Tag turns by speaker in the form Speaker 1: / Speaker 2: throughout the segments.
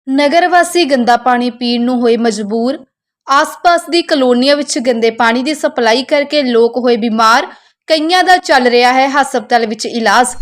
Speaker 1: ਨਗਰ ਵਾਸੀ ਗੰਦਾ ਪਾਣੀ ਪੀਣ ਨੂੰ ਹੋਏ ਮਜਬੂਰ। ਆਸ-ਪਾਸ ਦੀ ਕਲੋਨੀਆਂ ਵਿੱਚ ਗੰਦੇ ਪਾਣੀ ਦੀ ਸਪਲਾਈ ਕਰਕੇ ਲੋਕ ਹੋਏ ਬਿਮਾਰ। ਕਈਆਂ ਦਾ ਚੱਲ ਰਿਹਾ ਹੈ ਹਸਪਤਾਲ ਵਿੱਚ ਇਲਾਜ।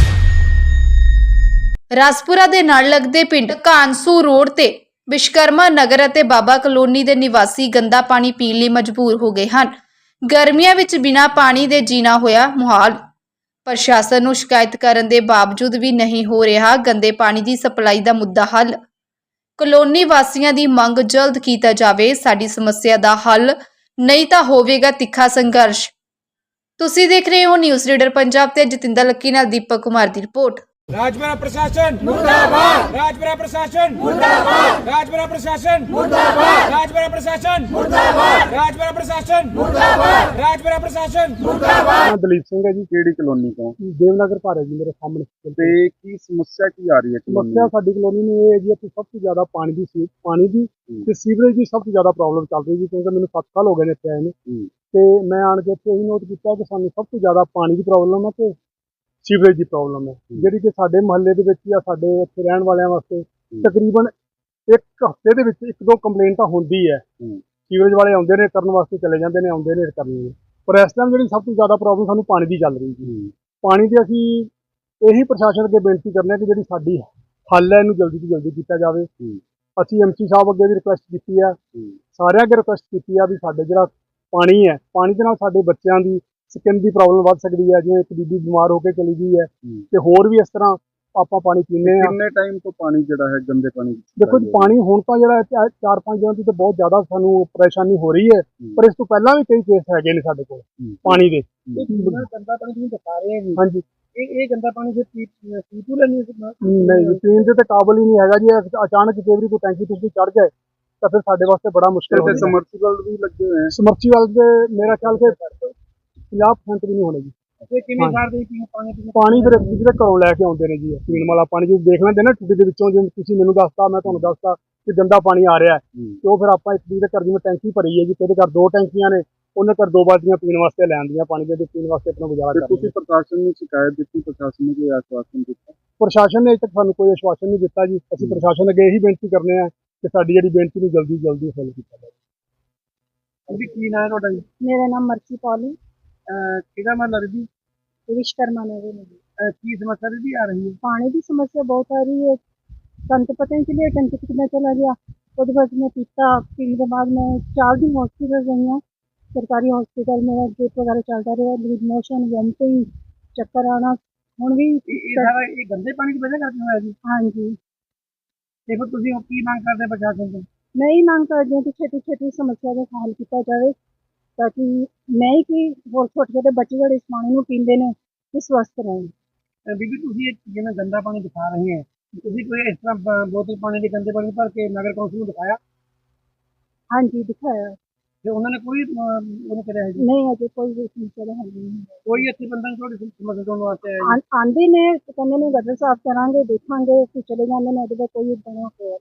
Speaker 1: ਰਾਜਪੁਰਾ ਦੇ ਨਾਲ ਲੱਗਦੇ ਪਿੰਡ ਕਾਨਸੂ ਰੋਡ ਤੇ ਵਿਸ਼ਕਰਮਾ ਨਗਰ ਅਤੇ ਬਾਬਾ ਕਲੋਨੀ ਦੇ ਨਿਵਾਸੀ ਗੰਦਾ ਪਾਣੀ ਪੀਣ ਲਈ ਮਜਬੂਰ ਹੋ ਗਏ ਹਨ। ਗਰਮੀਆਂ ਵਿੱਚ ਬਿਨਾਂ ਪਾਣੀ ਦੇ ਜੀਣਾ ਹੋਇਆ ਮੁਹਾਲ। ਪ੍ਰਸ਼ਾਸਨ ਨੂੰ ਸ਼ਿਕਾਇਤ ਕਰਨ ਦੇ ਬਾਵਜੂਦ ਵੀ ਨਹੀਂ ਹੋ ਰਿਹਾ ਗੰਦੇ ਪਾਣੀ ਦੀ ਸਪਲਾਈ ਦਾ ਮੁੱਦਾ ਹੱਲ। ਕਲੋਨੀ ਵਾਸੀਆਂ ਦੀ ਮੰਗ ਜਲਦ ਕੀਤਾ ਜਾਵੇ ਸਾਡੀ ਸਮੱਸਿਆ ਦਾ ਹੱਲ, ਨਹੀਂ ਤਾਂ ਹੋਵੇਗਾ ਤਿੱਖਾ ਸੰਘਰਸ਼। ਤੁਸੀਂ ਦੇਖ ਰਹੇ ਹੋ ਨਿਊਜ਼ ਰੀਡਰ ਪੰਜਾਬ ਤੇ ਜਤਿੰਦਰ ਲੱਕੀ ਨਾਲ ਦੀਪਕ ਕੁਮਾਰ ਦੀ ਰਿਪੋर्ट।
Speaker 2: राजपुरा प्रशासन मुर्दाबाद, राजपुरा प्रशासन मुर्दाबाद, राजपुरा प्रशासन मुर्दाबाद, राजपुरा प्रशासन मुर्दाबाद, राजपुरा प्रशासन मुर्दाबाद, राजपुरा प्रशासन मुर्दाबाद।
Speaker 3: ਦਲੀਪ ਸਿੰਘ ਹੈ ਜੀ। ਕਿਹੜੀ ਕਲੋਨੀ ਤੋਂ?
Speaker 4: ਦੇਵਨਗਰ ਘਰ ਹੈ ਜੀ ਮੇਰੇ ਸਾਹਮਣੇ।
Speaker 3: ਤੇ ਕੀ ਸਮੱਸਿਆ ਕੀ ਆ ਰਹੀ ਹੈ ਕਲੋਨੀ
Speaker 4: ਸਮੱਸਿਆ ਸਾਡੀ ਕਲੋਨੀ ਨੂੰ ਇਹ ਹੈ ਜੀ ਕਿ ਸਭ ਤੋਂ ਜ਼ਿਆਦਾ ਪਾਣੀ ਦੀ ਤੇ ਸੀਵਰੇਜ ਦੀ ਸਭ ਤੋਂ ਜ਼ਿਆਦਾ ਪ੍ਰੋਬਲਮ ਚੱਲ ਰਹੀ ਜੀ, ਕਿਉਂਕਿ ਮੈਨੂੰ 7 ਸਾਲ ਹੋ ਗਏ ਨੇ ਇੱਥੇ ਆਏ ਨੂੰ। ਤੇ ਮੈਂ ਆਣ ਕੇ ਇੱਥੇ ਇਹੀ ਨੋਟ ਕੀਤਾ ਕਿ ਸਾਨੂੰ ਸਭ ਤੋਂ ਜ਼ਿਆਦਾ ਪਾਣੀ ਦੀ ਪ੍ਰੋਬਲਮ ਹੈ ਤੇ ਸੀਵਰੇਜ ਦੀ ਪ੍ਰੋਬਲਮ ਹੈ, ਜਿਹੜੀ ਕਿ ਸਾਡੇ ਮੁਹੱਲੇ ਦੇ ਵਿੱਚ ਜਾਂ ਸਾਡੇ ਇੱਥੇ ਰਹਿਣ ਵਾਲਿਆਂ ਵਾਸਤੇ ਤਕਰੀਬਨ ਇੱਕ ਹਫ਼ਤੇ ਦੇ ਵਿੱਚ 1-2 ਕੰਪਲੇਂਟ ਤਾਂ ਹੁੰਦੀ ਹੈ। ਸੀਵਰੇਜ ਵਾਲੇ ਆਉਂਦੇ ਨੇ ਕਰਨ ਵਾਸਤੇ, ਚਲੇ ਜਾਂਦੇ ਨੇ, ਆਉਂਦੇ ਨੇ ਕਰਨੀ ਹੈ। ਪਰ ਇਸ ਟਾਈਮ ਜਿਹੜੀ ਸਭ ਤੋਂ ਜ਼ਿਆਦਾ ਪ੍ਰੋਬਲਮ ਸਾਨੂੰ ਪਾਣੀ ਦੀ ਚੱਲ ਰਹੀ ਜੀ। ਪਾਣੀ ਦੀ ਅਸੀਂ ਇਹੀ ਪ੍ਰਸ਼ਾਸਨ ਅੱਗੇ ਬੇਨਤੀ ਕਰਨੇ ਕਿ ਜਿਹੜੀ ਸਾਡੀ ਹੱਲ ਹੈ ਇਹਨੂੰ ਜਲਦੀ ਤੋਂ ਜਲਦੀ ਕੀਤਾ ਜਾਵੇ। ਅਸੀਂ ਐਮਸੀ ਸਾਹਿਬ ਅੱਗੇ ਵੀ ਰਿਕੁਐਸਟ ਕੀਤੀ ਹੈ, ਸਾਰਿਆਂ ਅੱਗੇ ਰਿਕੁਐਸਟ ਕੀਤੀ ਹੈ ਵੀ ਸਾਡੇ ਜਿਹੜਾ ਪਾਣੀ ਹੈ, ਪਾਣੀ ਦੇ ਨਾਲ ਸਾਡੇ ਬੱਚਿਆਂ ਦੀ ਸਕਿਨ ਦੀ ਪ੍ਰੋਬਲਮ ਵੱਧ ਸਕਦੀ ਹੈ। ਜਿਵੇਂ ਇੱਕ ਬੀਬੀ ਬਿਮਾਰ ਹੋ ਕੇ ਚਲੀ ਗਈ ਹੈ ਤੇ ਹੋਰ ਵੀ ਇਸ ਤਰ੍ਹਾਂ ਆਪਾਂ ਪਾਣੀ ਪੀਂਦੇ ਹਾਂ।
Speaker 3: ਕਿੰਨੇ ਟਾਈਮ ਤੋਂ ਪਾਣੀ ਜਿਹੜਾ ਹੈ ਗੰਦੇ ਪਾਣੀ
Speaker 4: ਦੇਖੋ ਜੀ, ਪਾਣੀ ਹੁਣ ਤਾਂ ਜਿਹੜਾ 4-5 ਦਿਨਾਂ ਤੋਂ ਤਾਂ ਬਹੁਤ ਜ਼ਿਆਦਾ ਸਾਨੂੰ ਪਰੇਸ਼ਾਨੀ ਹੋ ਰਹੀ ਹੈ, ਪਰ ਇਸ ਤੋਂ ਪਹਿਲਾਂ ਵੀ ਕਈ ਕੇਸ ਹੈਗੇ ਨੇ ਸਾਡੇ ਕੋਲ ਪਾਣੀ ਦੇ।
Speaker 2: गंदा पानी तुम बता रहे हैं
Speaker 4: ਹਾਂਜੀ,
Speaker 2: ये गंदा पानी से पीतू लेने
Speaker 4: ਨਹੀਂ ਜੀ, ਪੀਣ ਦੇ ਤੇ ਕਾਬਲ ਹੀ ਨਹੀਂ ਹੈਗਾ ਜੀ। ਅਚਾਨਕ ਜੇ ਵੀ ਕੋਈ ਟੈਂਕੀ ਤੁਸੀਂ ਚੜ ਜਾਏ ਤਾਂ ਫਿਰ ਸਾਡੇ ਵਾਸਤੇ ਬੜਾ ਮੁਸ਼ਕਿਲ ਹੋ
Speaker 3: ਤੇ
Speaker 4: ਜਾਂਦਾ।
Speaker 3: ਸਮਰਸੀਬਲ ਵੀ ਲੱਗੇ ਹੋਏ हैं।
Speaker 4: ਸਮਰਸੀਬਲ ਦੇ ਮੇਰਾ ਖਿਆਲ ਕਿ 50% ਵੀ ਨਹੀਂ ਹੋਣੇ ਜੀ।
Speaker 2: ये कितने साल से पानी पीने
Speaker 4: ਪਾਣੀ ਫਿਰ ਜਿਹੜੇ ਘਰੋਂ ਲੈ ਕੇ ਆਉਂਦੇ ਨੇ ਜੀ, ਪੀਣ ਵਾਲਾ ਪਾਣੀ ਜੋ ਦੇਖ ਲੈਂਦੇ ਨਾ ਟੂਟੀ ਦੇ ਵਿੱਚੋਂ, ਜਿਵੇਂ ਤੁਸੀਂ ਮੈਨੂੰ ਦੱਸਤਾ, ਮੈਂ ਤੁਹਾਨੂੰ ਦੱਸਤਾ ਕਿ ਗੰਦਾ ਪਾਣੀ ਆ ਰਿਹਾ ਹੈ, ਤੇ ਉਹ ਫਿਰ ਆਪਾਂ ਇੱਕ ਦੂਜੇ ਦੇ ਘਰ, ਜਿਵੇਂ ਟੈਂਕੀ ਭਰੀ ਹੈ ਜੀ, ਤੇਰੇ ਘਰ 2 ਟੈਂਕੀਆਂ ਨੇ, ਉਹਨੇ ਘਰ 2 ਬਾਲਟੀਆਂ ਪੀਣ ਵਾਸਤੇ ਲੈਣ ਦੀਆਂ ਪਾਣੀ ਦੇ, ਪੀਣ ਵਾਸਤੇ ਆਪਣਾ ਗੁਜ਼ਾਰਾ
Speaker 3: ਤੇ
Speaker 4: ਕਰਦੇ
Speaker 3: ਤੁਸੀਂ ਪ੍ਰਸ਼ਾਸਨ ਨੂੰ ਸ਼ਿਕਾਇਤ ਦਿੱਤੀ, ਪ੍ਰਸ਼ਾਸਨ ਨੇ ਕੋਈ ਆਸ਼ਵਾਸਨ ਦਿੱਤਾ?
Speaker 4: ਪ੍ਰਸ਼ਾਸਨ ਨੇ ਅਜੇ ਤੱਕ ਸਾਨੂੰ ਕੋਈ ਆਸ਼ਵਾਸਨ ਨਹੀਂ ਦਿੱਤਾ ਜੀ। ਅਸੀਂ ਪ੍ਰਸ਼ਾਸਨ ਅੱਗੇ ਇਹੀ ਬੇਨਤੀ ਕਰਨੇ ਆ ਕਿ ਸਾਡੀ ਜਿਹੜੀ ਬੇਨਤੀ ਨੂੰ ਜਲਦੀ ਜਲਦੀ ਹੱਲ ਕੀਤਾ ਜਾਵੇ।
Speaker 2: अभी की ना है रोटा जी
Speaker 5: मेरा नाम मर्सी पॉल है,
Speaker 2: किधर मतलब जी
Speaker 5: विश्वकर्मा नगर में।
Speaker 2: की समस्या भी आ रही है।
Speaker 5: पानी की समस्या बहुत आ रही है। सन तो पता नहीं चलिए टंकी कितना चला गया, उसके बाद में पीता पीने के बाद में 4 दिन हॉस्पिटल गई हूँ। सरकारी हॉस्पिटल में ड्रिप वगैरह चलता रहा, लूज मोशन, वोमिटिंग, चक्कर आना। हूँ भी
Speaker 2: ये गंदे पानी की वजह करते हैं जी।
Speaker 5: हाँ जी,
Speaker 2: देखो तुम की मांग करते प्रशासन से?
Speaker 5: मैं ही मांग करती हूँ कि छेती छेती समस्या का हल किया जाए, ताकि मैं ही कि होर छोटे छोटे बच्चे जो इस पानी को पीते हैं ये स्वस्थ रहें।
Speaker 2: बीबी तुम जिवें गंदा पानी दिखा रहे हैं, ਤੁਸੀਂ ਕੋਈ ਇਸ ਤਰ੍ਹਾਂ ਬੋਤਲ ਪਾਣੀ ਦੇ ਗੰਦੇ ਪਾਣੀ ਭਰ ਕੇ ਨਗਰ ਕੌਂਸਲ ਨੂੰ ਦਿਖਾਇਆ?
Speaker 5: हाँ जी, दिखाया।
Speaker 2: ਤੇ ਉਹਨਾਂ ਨੇ ਕੋਈ ਉਹਨੇ ਕਰਿਆ ਹੈ ਜੀ?
Speaker 5: नहीं अजय कोई भी समस्या का हल नहीं है।
Speaker 2: ਕੋਈ ਇੱਥੇ ਬੰਦਾ ਤੁਹਾਡੀ ਸਮੱਸਿਆ ਤੋਂ ਵਾਸਤੇ ਆਇਆ ਜੀ?
Speaker 5: आंदे ने तो कहते ने गटर साफ करांगे, देखांगे, फिर चले जाते हैं। अगर कोई बना हो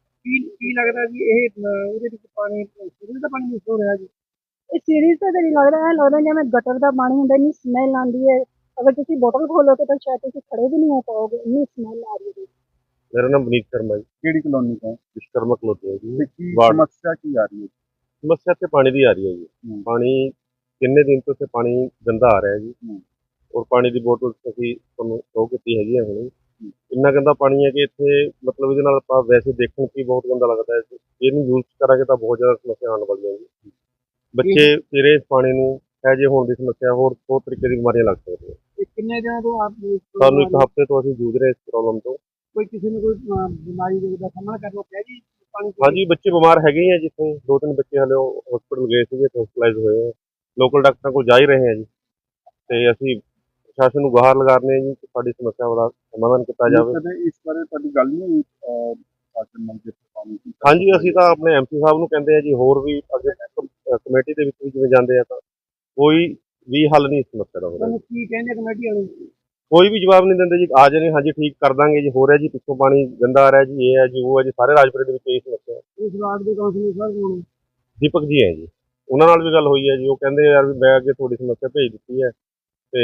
Speaker 2: ਕੀ ਲੱਗਦਾ ਜੀ ਇਹ ਉਹਦੇ ਵਿੱਚ ਪਾਣੀ ਸੀਵਰੇਜ ਦਾ ਪਾਣੀ ਮਿਕਸ ਹੋ ਰਿਹਾ ਜੀ?
Speaker 5: ਇਹ ਸੀਰੀਜ਼ ਤਾਂ ਨਹੀਂ ਲੱਗ ਰਿਹਾ ਹੈ, ਲੱਗਦਾ ਜਿਵੇਂ ਗਟਰ ਦਾ ਪਾਣੀ ਹੁੰਦਾ, ਇੰਨੀ ਸਮੈਲ ਆਉਂਦੀ ਹੈ। ਅਗਰ ਤੁਸੀਂ ਬੋਤਲ ਖੋਲੋਗੇ ਤਾਂ ਸ਼ਾਇਦ ਤੁਸੀਂ ਖੜੇ ਵੀ ਨਹੀਂ ਹੋ ਪਾਓਗੇ, ਇੰਨੀ ਸਮੈਲ ਆ ਰਹੀ ਹੈ।
Speaker 6: मेरा नाम विनीत शर्मा जी,
Speaker 3: ਕਿਹੜੀ ਕਲੋਨੀ ਤੋਂ?
Speaker 6: विश्वकर्मा कलोनी है जी।
Speaker 3: ਤੇ ਕੀ
Speaker 6: ਵਾਰਡ।
Speaker 3: ਸਮੱਸਿਆ ਕੀ ਆ ਰਹੀ ਹੈ?
Speaker 6: समस्या ਇੱਥੇ ਪਾਣੀ ਦੀ ਆ ਰਹੀ ਹੈ ਜੀ। ਪਾਣੀ ਕਿੰਨੇ ਦਿਨ ਤੋਂ ਇੱਥੇ ਪਾਣੀ ਗੰਦਾ ਆ ਰਿਹਾ ਹੈ ਜੀ, ਔਰ ਪਾਣੀ ਦੀ ਬੋਤਲ ਅਸੀਂ ਤੁਹਾਨੂੰ ਸ਼ੋ ਕੀਤੀ ਹੈਗੀ ਹੈ ਹੁਣੇ। ਇੰਨਾ ਗੰਦਾ ਪਾਣੀ ਹੈ ਕਿ ਇੱਥੇ ਮਤਲਬ ਇਹਦੇ ਨਾਲ ਆਪਾਂ ਵੈਸੇ ਦੇਖਣ 'ਚ ਹੀ ਬਹੁਤ ਗੰਦਾ ਲੱਗਦਾ ਹੈ। ਇਹਨੂੰ ਯੂਜ਼ ਕਰਾਂਗੇ ਤਾਂ ਬਹੁਤ ਜ਼ਿਆਦਾ ਸਮੱਸਿਆ ਆਉਣ ਵਾਲੀਆਂ ਜੀ। ਬੱਚੇ ਪੀਰੇ ਇਸ ਪਾਣੀ ਨੂੰ ਹੈਜੇ ਹੋਣ ਦੀ ਸਮੱਸਿਆ, ਹੋਰ ਬਹੁਤ ਤਰੀਕੇ ਦੀ ਬਿਮਾਰੀਆਂ ਲੱਗ ਸਕਦੀਆਂ।
Speaker 2: ਇਹ ਕਿੰਨੇ ਦਿਨਾਂ ਤੋਂ ਆਪ
Speaker 6: ਸਾਨੂੰ 1 ਹਫ਼ਤੇ ਤੋਂ ਅਸੀਂ ਜੂਝ ਰਹੇ ਇਸ ਪ੍ਰੋਬਲਮ ਤੋਂ।
Speaker 2: ਕੋਈ ਕਿਸੇ ਨੂੰ ਕੋਈ ਬਿਮਾਰੀ ਦਾ ਸਾਹਮਣਾ ਕਰਨਾ ਪਿਆ ਜੀ ਪਾਣੀ ਪੀ ਕੇ?
Speaker 6: ਹਾਂਜੀ, ਬੱਚੇ ਬਿਮਾਰ ਹੈਗੇ ਹੀ ਆ, ਜਿੱਥੇ 2-3 ਬੱਚੇ ਹਲੇ ਹਸਪੀਟਲ ਗਏ ਸੀਗੇ, ਹਸਪੀਟਲਾਈਜ਼ ਹੋਏ ਆ। ਲੋਕਲ ਡਾਕਟਰਾਂ ਕੋਲ ਜਾ ਹੀ ਰਹੇ ਆ ਜੀ, ਤੇ ਅਸੀਂ ਪ੍ਰਸ਼ਾਸਨ ਨੂੰ ਗੁਹਾਰ ਲਗਾ ਰਹੇ ਹਾਂ ਜੀ ਕਿ ਸਾਡੀ ਸਮੱਸਿਆ ਦਾ ਸਮਾਧਾਨ ਕੀਤਾ ਜਾਵੇ।
Speaker 3: ਕਦੇ ਇਸ ਬਾਰੇ ਤੁਹਾਡੀ ਗੱਲ ਨਹੀਂ ਹੋਈ ਪ੍ਰਸ਼ਾਸਨ ਨਾਲ ਜਿੱਥੇ ਪਾਣੀ ਦੀ?
Speaker 6: ਹਾਂਜੀ, ਅਸੀਂ ਤਾਂ ਆਪਣੇ ਐਮਸੀ ਸਾਹਿਬ ਨੂੰ ਕਹਿੰਦੇ ਆ ਜੀ, ਹੋਰ ਵੀ ਅੱਗੇ ਕਮੇਟੀ ਦੇ ਵਿੱਚ ਵੀ ਜਿਵੇਂ ਜਾਂਦੇ ਆ, ਤਾਂ ਕੋਈ ਵੀ ਹੱਲ ਨਹੀਂ ਇਸ ਸਮੱਸਿਆ ਦਾ ਹੋ ਰਿਹਾ।
Speaker 2: ਤੁਹਾਨੂੰ ਕੀ ਕਹਿੰਦੇ ਕਮੇਟੀ ਵਾਲੇ?
Speaker 6: ਕੋਈ ਵੀ ਜਵਾਬ ਨਹੀਂ ਦਿੰਦੇ ਜੀ। ਆ ਜਾਣੇ, ਹਾਂਜੀ ਠੀਕ ਕਰ ਦਾਂਗੇ ਜੀ, ਹੋ ਰਿਹਾ ਜੀ, ਪਿੱਛੋਂ ਪਾਣੀ ਗੰਦਾ ਆ ਰਿਹਾ ਜੀ, ਇਹ ਹੈ ਜੀ, ਉਹ ਹੈ ਜੀ। ਸਾਰੇ ਰਾਜਪੁਰੇ ਦੇ ਵਿੱਚ ਇਹ ਸਮੱਸਿਆ ਹੈ।
Speaker 2: ਇਸ ਵਾਰਡ ਦੇ ਕਾਉਂਸਲਰ ਸਰ ਕੋਲ
Speaker 6: ਦੀਪਕ ਜੀ ਹੈ ਜੀ, ਉਹਨਾਂ ਨਾਲ ਵੀ ਗੱਲ ਹੋਈ ਹੈ ਜੀ। ਉਹ ਕਹਿੰਦੇ ਯਾਰ ਵੀ ਮੈਂ ਅੱਗੇ ਤੁਹਾਡੀ ਸਮੱਸਿਆ ਭੇਜ ਦਿੱਤੀ ਹੈ, ਤੇ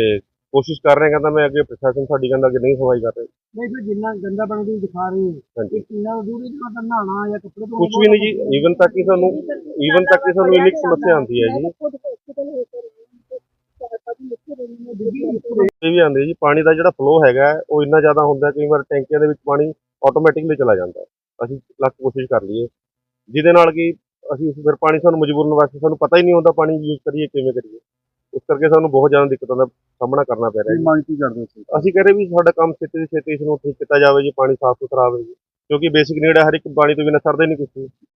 Speaker 6: ਕੋਸ਼ਿਸ਼ ਕਰ ਰਹੇ, ਕਹਿੰਦਾ ਮੈਂ ਅੱਗੇ ਪ੍ਰਸ਼ਾਸਨ ਸਾਡੀ ਕਹਿੰਦਾ ਕਿ ਨਹੀਂ ਸੁਣਵਾਈ ਕਰ ਰਹੇ।
Speaker 4: ਨਹੀਂ ਫਿਰ ਜਿੰਨਾ ਗੰਦਾ ਪਾਣੀ ਤੁਸੀਂ ਦਿਖਾ ਰਹੇ ਹੋ
Speaker 6: ਹਾਂਜੀ,
Speaker 4: ਕਿੰਨਾ ਦੂਰੀ ਦਾ ਤਾਂ ਨਹਾਉਣਾ ਜਾਂ ਕੱਪੜੇ ਧੋਣੇ
Speaker 6: ਕੁਝ ਵੀ ਨਹੀਂ ਜੀ। ਈਵਨ ਤੱਕ ਕਿ ਸਾਨੂੰ ਇੰਨੀ ਕੁ ਸਮੱਸਿਆ ਆਉਂਦੀ ਹੈ ਜੀ।
Speaker 5: खुद हॉस्पिटल होकर 4-5 बच्चे रहे हैं
Speaker 6: ਇਹ ਵੀ ਆਉਂਦੀ ਜੀ, ਪਾਣੀ ਦਾ ਜਿਹੜਾ ਫਲੋ ਹੈਗਾ ਹੈ, ਉਹ ਇੰਨਾ ਜ਼ਿਆਦਾ ਹੁੰਦਾ ਕਈ ਵਾਰ ਟੈਂਕੀਆਂ ਦੇ ਵਿੱਚ ਪਾਣੀ ਆਟੋਮੈਟਿਕਲੀ ਚਲਾ ਜਾਂਦਾ ਹੈ। ਅਸੀਂ ਲੱਖ ਕੋਸ਼ਿਸ਼ ਕਰ ਲਈਏ, ਜਿਹਦੇ ਨਾਲ ਕਿ ਅਸੀਂ ਫਿਰ ਪਾਣੀ ਸਾਨੂੰ ਮਜਬੂਰਨ ਵਾਸਤੇ ਸਾਨੂੰ ਪਤਾ ਹੀ ਨਹੀਂ ਹੁੰਦਾ ਪਾਣੀ ਯੂਜ਼ ਕਰੀਏ ਕਿਵੇਂ ਕਰੀਏ। ਉਸ ਕਰਕੇ ਸਾਨੂੰ ਬਹੁਤ ਜ਼ਿਆਦਾ ਦਿੱਕਤਾਂ ਦਾ ਸਾਹਮਣਾ ਕਰਨਾ ਪੈ ਰਿਹਾ
Speaker 3: ਕੀ
Speaker 6: ਜੀ।
Speaker 3: ਮੰਗ ਕੀ ਕਰਦੇ ਸੀ?
Speaker 6: ਅਸੀਂ ਕਹਿ ਰਹੇ ਵੀ ਸਾਡਾ ਕੰਮ ਛੇਤੀ ਤੋਂ ਛੇਤੀ ਇਸ ਨੂੰ ਠੀਕ ਕੀਤਾ ਜਾਵੇ ਜੀ, ਪਾਣੀ ਸਾਫ਼ ਸੁਥਰਾ ਆਵੇ ਜੀ, ਕਿਉਂਕਿ ਬੇਸਿਕ ਨੀਡ ਹੈ, ਹਰ ਇੱਕ ਪਾਣੀ ਤੋਂ ਬਿਨਾਂ ਸਰਦਾ ਹੀ ਨਹੀਂ ਕੁਛ ਵੀ।